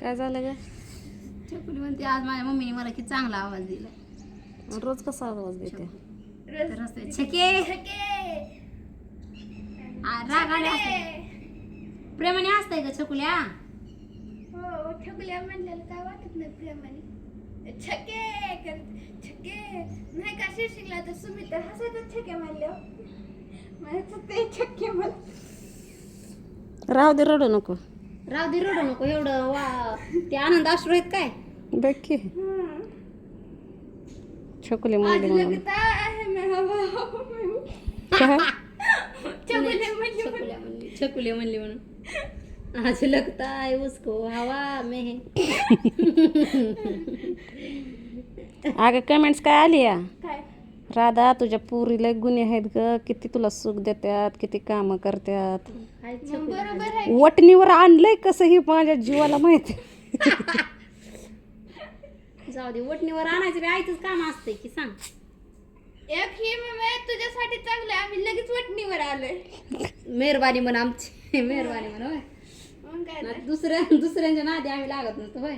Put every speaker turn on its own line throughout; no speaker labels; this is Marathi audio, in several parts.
काय झालं ग?
छकुली म्हणते आज माझ्या मम्मीने मला किती चांगला आवाज दिला.
रोज कसा आवाज देते?
तर असते छके रागाने असते, प्रेमाने असतंय ग छकुल्या.
हो छकुल्या म्हणलेलं काय वाटत नाही प्रेमाने. छके छके नाही का शिशिकला तर सुमित तर हसायचं छके म्हणलं मला ते छके मला.
राहू दे, रडू नको.
राव दे रडू नको एवढं ते आनंद अश्रू आहेत काय.
बघ की छकुली म्हणली म्हणून.
लगता है मैं हवा
काय?
छकुले म्हणली म्हणून आज लगता है उसको हवा में.
अगं कमेंट्स काय आली या?
काय
राधा तुझ्या पुरीला गुन्हे आहेत ग, किती तुला सुख देतात, किती कामं करतात.
मग बरोबर आहे.
वटणीवर आणलंय कसं ही माझ्या जीवाला माहिती.
जाऊ दे, वटणीवर आणायचं बी आईचंच काम असतंय की सांग.
एक ही मम्मी तुझ्यासाठी चांगलं आहे, आम्ही लगेच वटणीवर आलोय.
मेहरबानी म्हण आमची, मेहरबानी म्हण होय.
मग काय तर.
दुसऱ्यांच्या नादी आम्ही लागत नसतो होय,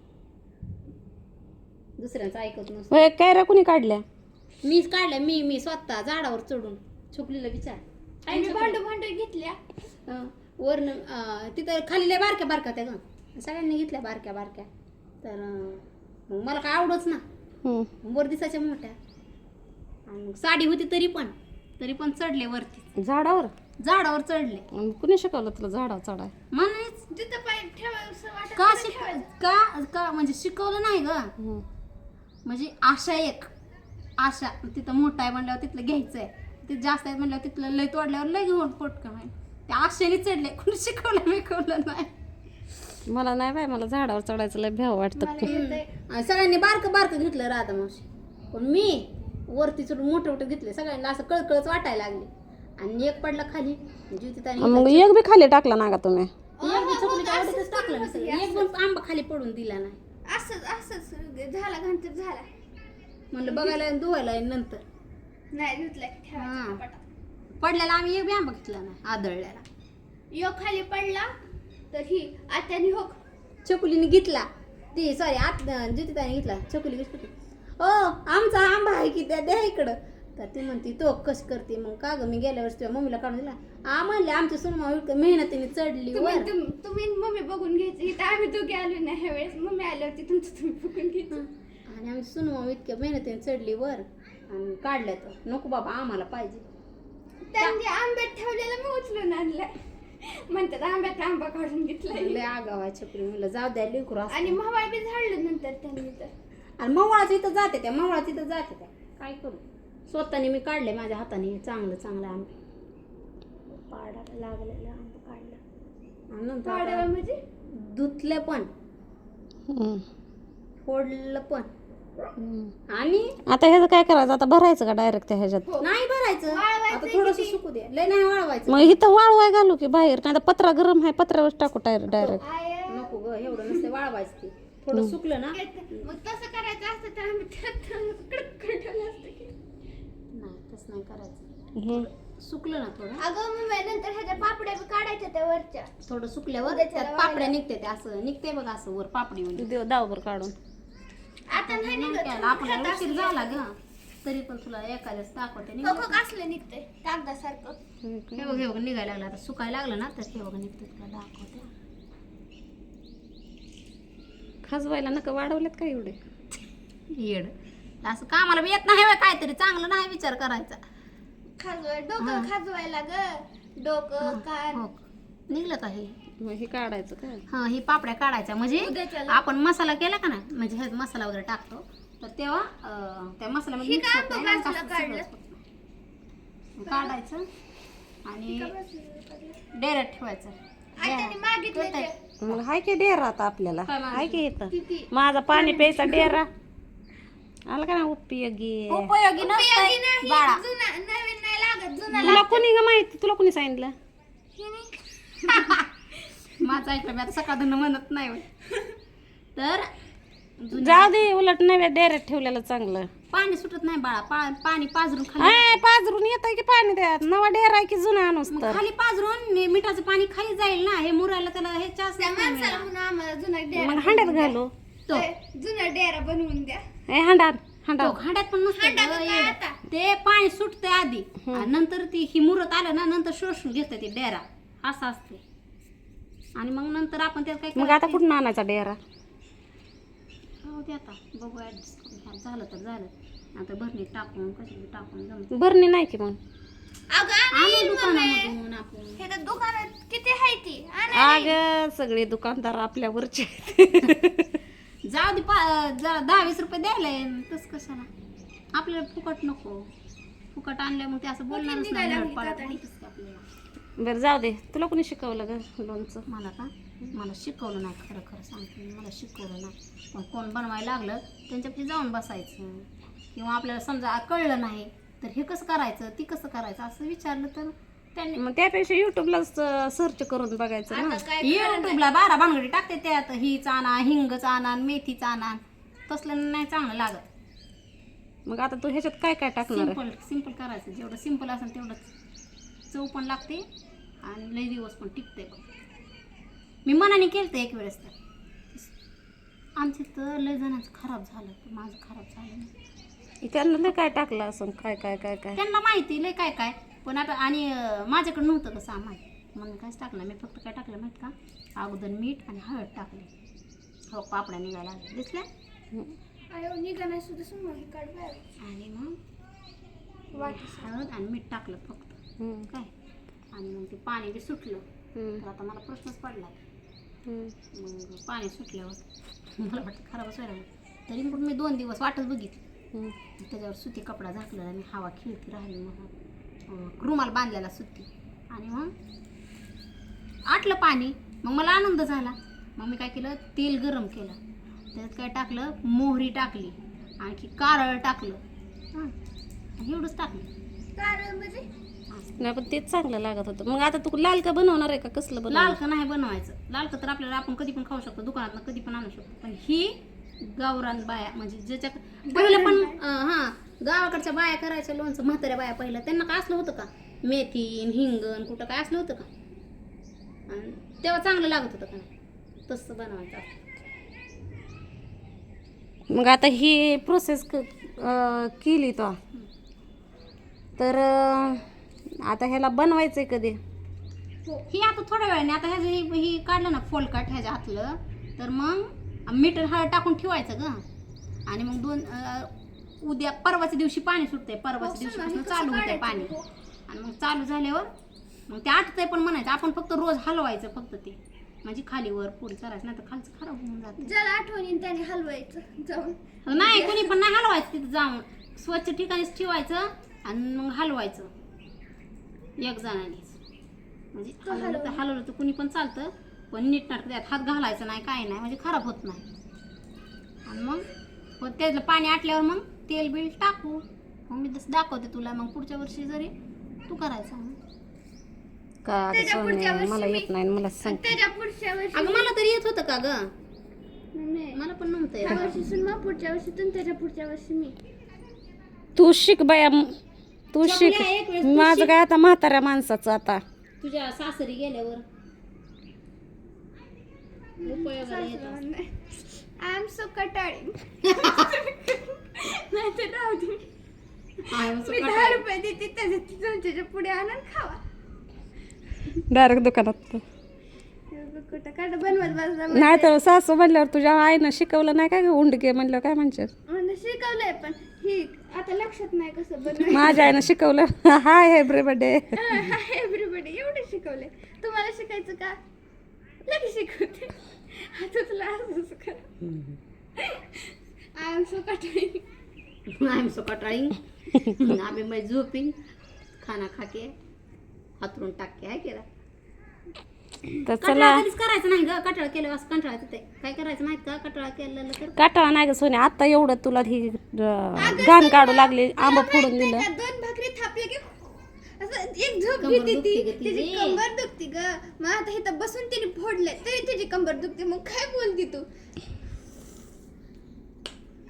दुसऱ्यांचं ऐकत नसतो.
होय, कैऱ्या कुणी काढल्या?
मीच काढल्या, मी स्वतः झाडावर चढून. छकुलीला विचार.
आम्ही भांडू घेतल्या.
वरनं तिथं खाली लय बारक्या बारक्या त्या ग, सगळ्यांनी घेतल्या बारक्या बारक्या. तर मग मला काय आवडच ना, वर दिसायच्या मोठ्या. आणि मग साडी होती तरी पण चढले वरती,
झाडावर
झाडावर चढले.
कुणी शिकवलं तुला झाडावर चढाय?
म्हणायच
तिथं पाय ठेवावंसं वाटत
का
नाही ठेवायचं.
का म्हणजे शिकवलं नाही ग, म्हणजे आशा तिथं मोठा आहे म्हणल्यावर तिथलं घ्यायचंय, तिथं जास्त आहे म्हणल्यावर तिथलं लय तोडल्यावर लय घेऊन पोटकं आहे. त्या आशेने चढले, कुणी शिकवलं नाही.
मला नाही बाय, मला झाडावर चढायचं लय भ्याव वाटतं.
मला येतंय.
आणि सगळ्यांनी बारकं घेतलं राधा मावशी, पण मी वरती चढून मोठे घेतले. सगळ्यांना असं कळकळच वाटायला लागली. आणि एक पडला खाली
मग एक बी खाली टाकला ना का तुम्ही?
टाकलं मी सगळं. एक पण आंबा खाली पडून दिला नाही.
असंच झाला घंटर झाला.
म्हणलं बघायला आणि धुवायला आणि नंतर
नाही धुतलाय ठेवायचं
हा.
कपाटात.
पडल्याला आम्ही एक बी आंबा घेतला नाही, आदळल्याला.
यो खाली पडला तर ही आत्यानी हो
छकुलीने घेतला, ती सॉरी ज्योतिताने घेतला. छकुली घेतली. ओ आमचा आंबा आहे की द्या इकडं. तर ती म्हणती तो कस करते मग का ग, मी गेल्या वर्षी तुझ्या मम्मीला काढून दिला. म्हणले आमच्या सुनमा मेहनतीने चढली वर.
तुम्ही मम्मी बघून घ्यायची. इथं आम्ही दोघे आलो नाही ह्या वेळेस. मम्मी आल्यावरती तुमचं तुम्ही बघून घ्यायचं.
आणि आमची सुनमा इतक्या मेहनतीने चढली वर आणि काढल्या. तर नको बाबा आम्हाला पाहिजे.
त्यांनी आंब्यात ठेवलेला मी उचलून आणलाय. म्हणतात आंब्यात आंबा काढून घेतलाय.
लय आगाव आहे छकुली, म्हणलं जाऊ द्या लेकरू असतं.
आणि मवाळ बी झाडलं नंतर त्यांनी तर.
आणि मवाळाच्या इथं जाते त्या काय करू. स्वतःने मी काढले माझ्या हाताने चांगलं आंबे. पाडाला लागलेलं आंबा काढलं आणि नंतर
पाडावा
आता
म्हणजे
धुतले पण फोडलं पण. आणि
आता ह्याचं काय करायचं? आता भरायचं का डायरेक्ट त्या ह्याच्यात?
नाही भरायचं,
वाळवायचं
आता थोडस सुकू दे. लय नाही वाळवायचं.
मग इथं वाळवाय घालू की बाहेर? नाही तर पत्रा गरम आहे, पत्र्यावर टाकू डायरेक्ट.
नको ग, एवढं नसते वाळवायचं. ते थोडं सुकलं ना.
मग तसं करायचं असतं तर आम्ही कडक ठेवलं असतं की.
नाही तसं नाही करायचं. सुकलं ना थोडं,
अगं मम्मी नंतर ह्याच्या पापड्या बी काढायच्या त्या वरच्या.
थोडं सुकल्यावर
उद्याच्याला
त्यात पापड्या निघते. ते असं निघते बघा, असं वर पापडी म्हणजे.
दावभर काढून
आता नाही निघत.
आपल्याला उशीर झाला ग, तरी पण तुला एखाद्याच दाखवते.
खोखो कसलं निघतंय कागदासारखं.
हे बघ निघायला लागलं. आता सुकायला लागलं ना तर हे बघा निघतं. तुला दाखवते.
खाजवायला नका वाढवलेत का एवढे?
येड असं कामाला बी येत नाही होय, काहीतरी चांगलं नाही विचार करायचा.
डोकं खाजवायला ग. डोकं कान.
हो निघलं का हे?
मग हे काढायचं का?
हा, ही पापड्या काढायच्या. म्हणजे
उद्याच्याला.
आपण मसाला केला का ना, म्हणजे ह्यात मसाला वगैरे टाकतो तर तेव्हा त्या मसाल्यामध्ये
ही
mix
का
होत नाही,
बाजूला
असं
काढलं?
सगळंच होतं. काढायचं आणि डायरेक्ट ठेवायचं.
आत्याने मागितलं ते.
मग हाय की डेरा आता आपल्याला?
काय मागितलं?
हाय की इथं
किती?
माझा पाणी प्यायचा डेरा आला का ना उपयोगी?
उपयोगी
उपयोगी
नसतंय
नाही.
बाळा.
जुना नवीन नाही लागत. जुना
तुला कोणी ग माहिती? तुला कोणी सांगितलं?
माझं ऐकलं मी आता सकाळ म्हणत नाही होय. तर
जाऊ दे, उलट नव्या डेऱ्यात ठेवलेलं चांगलं.
पाणी सुटत नाही बाळा, पाणी पाजरून खाली
पाजरून येत की पाणी द्या, नवा डेरा आहे की जुना आणूस
मग
तर.
खाली पाजरून मिठाचं पाणी खाली जाईल ना, हे मुरायला त्याला हे चास
त्या माणसाला म्हणून आम्हाला जुना डेरा
मग हांड्यात घालू.
तो
जुना डेरा बनवून द्या.
हांडात
तो खांड्यात पण नसतं
हांड्यात
गं,
काय
येडं.
आता?
ते पाणी सुटते आधी आणि नंतर ती ही मुरत आलं ना, नंतर शोषून घेतं ते डेरा, असं असते. आणि मग नंतर आपण त्यात काय
मग आता
करायचं?
कुठून आणायचा डेरा?
हो ते आता बघू ऍडजस्ट करून घ्या. झालं तर झालं, आता भरणी टाकून कशी टाकून जमत.
भरणी नाही की मग.
अगं
आणू
आणीन मम्मी.
दुकानामधून आपण.
हे तर दुकानात किती आहे ती आणा.
अग सगळे दुकानदार आपल्यावरचे.
जाऊ दे 10-20 रुपये द्यायला तस कशाला, आपल्याला फुकट नको. फुकट आणल्या मग ते असं बोलणारच
निघायला
नाही,
लागली
पाळत
कातडी.
बोलतेच की आपल्याला.
बरं जाऊ दे, तुला कोणी शिकवलं ग लोणचं?
मला का मला शिकवलं नाही, खरं खरं सांगते मी, मला शिकवलं नाही. पण कोण बनवायला लागलं त्यांच्यापाशी जाऊन बसायचं, किंवा आपल्याला समजा कळलं नाही तर हे कसं करायचं, ती कसं करायचं असं विचारलं तर त्यांनी
मग त्यापेक्षा युट्यूबला सर्च करून बघायचं ना.
आता काय
युट्यूबला 12 भानगडी टाकते त्यात, हीच आणा, हिंगच आणा, मेथीच आणा, तसलं नाही चांगलं लागत.
मग आता तू ह्याच्यात काय काय टाकणार आहे?
सिंपल करायचं, जेवढं सिंपल असेल तेवढं चव पण लागते आणि लई दिवस पण टिकते. बघ मी मनाने केलं तर एक वेळेस, तर आमच्या तर लय जणांचं खराब झालं, तर माझं खराब झालं नाही.
त्यांना लय काय टाकलं असं, काय काय काय काय.
त्यांना माहिती लय काय काय, पण आता आणि माझ्याकडे नव्हतं कसं सामान, म्हणून काहीच टाकलं मी. फक्त काय टाकलं माहीत का, अगोदर मीठ आणि हळद टाकले. हो पापड्या निघायला लागल्या दिसल्या.
आयो निघाला सुद्धा समोर काढ बाहेर.
आणि मग
वाटी
हळद आणि मीठ टाकलं फक्त, काय. आणि मग ते पाणी बी सुटलं. तर आता मला प्रश्नच पडला, मग पाणी सुटल्यावर मला वाटतं खराबच व्हायला लागलं. तरी पण मी 2 दिवस वाटच बघितली. त्याच्यावर सुती कपडा झाकलेला, आणि हवा खिळती राहिली, मग रुमाल बांधलेला सुती. आणि मग आटलं पाणी, मग मला आनंद झाला. मग मी काय केलं, तेल गरम केलं, त्याच्यात काय टाकलं, मोहरी टाकली, आणखी कारळ टाकलं, आणि एवढंच टाकलं.
कारण म्हणजे
नाही पण तेच चांगलं लागत होतं. मग आता तू लाल का बनवणार आहे का कसलं बनवणार?
लालकं नाही बनवायचं. लालकं तर आपल्याला आपण कधी पण खाऊ शकतो, दुकानात कधी पण आणू शकतो. पण ही गावरान बाया, म्हणजे ज्याच्या पहिलं पण गावाकडच्या बाया करायच्या लोणचं, म्हाताऱ्या बाया पहिलं, त्यांना काय असलं होतं का, मेथी हिंगण कुठं काय असलं होतं का, आणि तेव्हा चांगलं लागत होतं का नाही, तसं बनवायचं असतं.
मग आता ही प्रोसेस केली तो, तर आता ह्याला बनवायचंय कधी?
ही आता थोड्या वेळाने, आता ह्याचं ही काढलं ना फोलकट ह्याच्या हातलं, तर मग मीठ हळद टाकून ठेवायचं ग. आणि मग उद्या परवाच्या दिवशी पाणी सुटते, परवाच्या दिवशीपासून चालू होते पाणी. आणि मग चालू झाल्यावर मग ते आटतंय पण म्हणायचं, आपण फक्त रोज हलवायचं फक्त ते, म्हणजे खालीवर पुढे करायचं, नाही तर खालचं खराब होऊन जातं.
ज्याला आठवणी त्याने हलवायचं जाऊन.
नाही कोणी पण नाही हलवायचं, तिथं जाऊन स्वच्छ ठिकाणीच ठेवायचं आणि मग हलवायचं एक जणानेच. म्हणजे हलवलं तर कुणी पण चालतं, पण नीट नाटक त्यात हात घालायचा नाही, काय नाही, म्हणजे खराब होत नाही. आणि मग त्यातलं पाणी आटल्यावर मग तेल बिल टाकू. मग मी तसं दाखवते तुला, मग पुढच्या वर्षी जरी तू करायचं.
का
त्याच्या पुढच्या वर्षी
मला येत नाही, मला सांग.
त्याच्या पुढच्या वर्षी
अगं मला तरी येत होतं का ग,
नाही.
मला पण नव्हतं
ह्या
येत.
वर्षी सुनमा, पुढच्या वर्षी तू, त्याच्या पुढच्या वर्षी मी.
तू शिक बाया, तू शिक.
चपल्या एक वेळेस तू
माझं
शिक.
काय आता म्हाताऱ्या माणसाचं आता.
तुझ्या सासरी गेल्यावर उपयोगाला येतं.
आय एम सो कटाळी. नाही तर राहू दे. मी 10 रुपये देते, त्याच्या पुढे आणून खावा.
डायरेक्ट दुकानात.
कुठं काढ बनवत बसला.
नाही तर सासू म्हणल्यावर तुझ्या आईनं शिकवलं नाही का ग, उंडके म्हणल्यावर काय म्हणतात?
मला शिकवलंय, पण ही आता लक्षात नाही कसं बनवायचं.
माझ्या आईनं शिकवलं. Hi everybody.
एव्हरीबडी एवढे शिकवले. तुम्हाला शिकायचं का? लगेच शिकवते. आता तुला असंच कर. आय एम सो कटाळी.
आय एम सो कटाळी. आम्ही मै झोपी खाना खाके हातरून टाके आहे केला.
तर चला,
कटाळा कधीच करायचं नाही ग, कटाळा केलं असं कंटाळायचं ते काय करायचं माहित का, कटाळा केलेलं तर
काटाळा नाही ग सोने, आता एवढं तुला ही घाण काढू लागली, आंबा फोडून दिलं.
2 भाकरी थापले की असं एक झोप
कंबर
घेते
दुखते
ती,
ग
तिची
तिची.
कंबर दुखती ग. मग आता इथं बसून तिने फोडले तरी तिची कंबर दुखते. मग काय बोलती तू?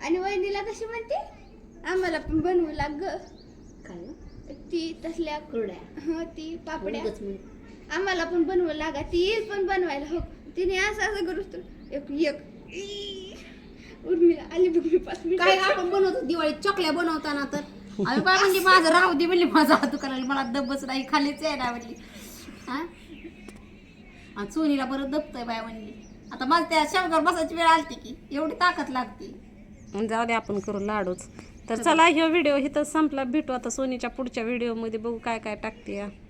आणि वहिनीला कशी म्हणते, आम्हाला पण बनवू लाग ग
काय गं?
ती तसल्या
कुरड्या
ती पापड्या
उगाच म्हण.
आम्हाला पण बनवू लागा, ती येईल पण बनवायला. हो तिने असं करूच तर एक उर्मिला आली बघ मी 5 मिनिट.
काय आपण बनवतो दिवाळीत चॉकल्या बनवताना तर आम्ही बाय म्हणजे माझं राहू दे म्हणली, माझा हात दुखायला मला दबच नाही, खालीच आहे ना म्हणली. हा आणि सोनीला बरं दबतंय बाय म्हणली. आता मला त्या शेवगावर बसायची वेळ आलती की एवढी ताकद लागते.
जाऊ दे आपण करू लाडूच. तर चला ह्यो व्हिडिओ इथं संपला. भेटू आता सोनीच्या पुढच्या व्हिडिओमध्ये, बघू काय काय टाकते.